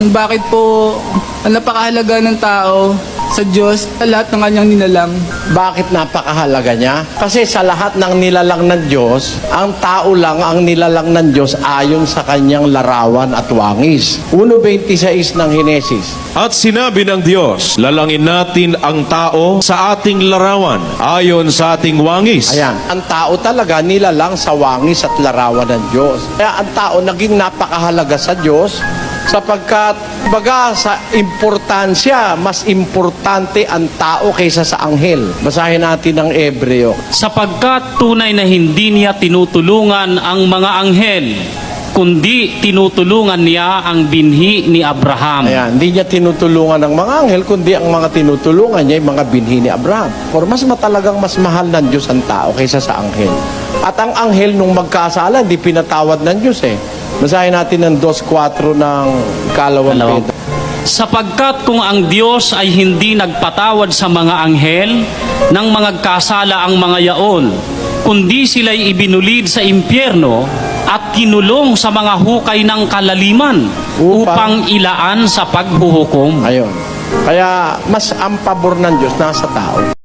Bakit po ang napakahalaga ng tao sa Diyos sa lahat ng kanyang nilalang? Bakit napakahalaga niya? Kasi sa lahat ng nilalang ng Diyos, ang tao lang ang nilalang ng Diyos ayon sa kanyang larawan at wangis. 1:26 ng Henesis. At sinabi ng Diyos, lalangin natin ang tao sa ating larawan, ayon sa ating wangis. Ayan, ang tao talaga nilalang sa wangis at larawan ng Diyos. Kaya ang tao naging napakahalaga sa Diyos sapagkat baga sa importansya, mas importante ang tao kaysa sa anghel. Basahin natin ang Hebreo. Sapagkat tunay na hindi niya tinutulungan ang mga anghel, kundi tinutulungan niya ang binhi ni Abraham. Ayan, hindi niya tinutulungan ng mga anghel, kundi ang mga tinutulungan niya, yung mga binhi ni Abraham. For mas matalagang mas mahal ng Diyos ang tao kaysa sa anghel. At ang anghel nung magkasala, hindi pinatawad ng Diyos eh. Basahin natin ang 2:4 ng ikalawang Pedro. Sapagkat kung ang Diyos ay hindi nagpatawad sa mga anghel nang magkasala ang mga yaon, kundi sila'y ibinulid sa impyerno at kinulong sa mga hukay ng kalaliman upang ilaan sa paghuhukom. Ayun. Kaya mas ang pabor ng Diyos nasa tao.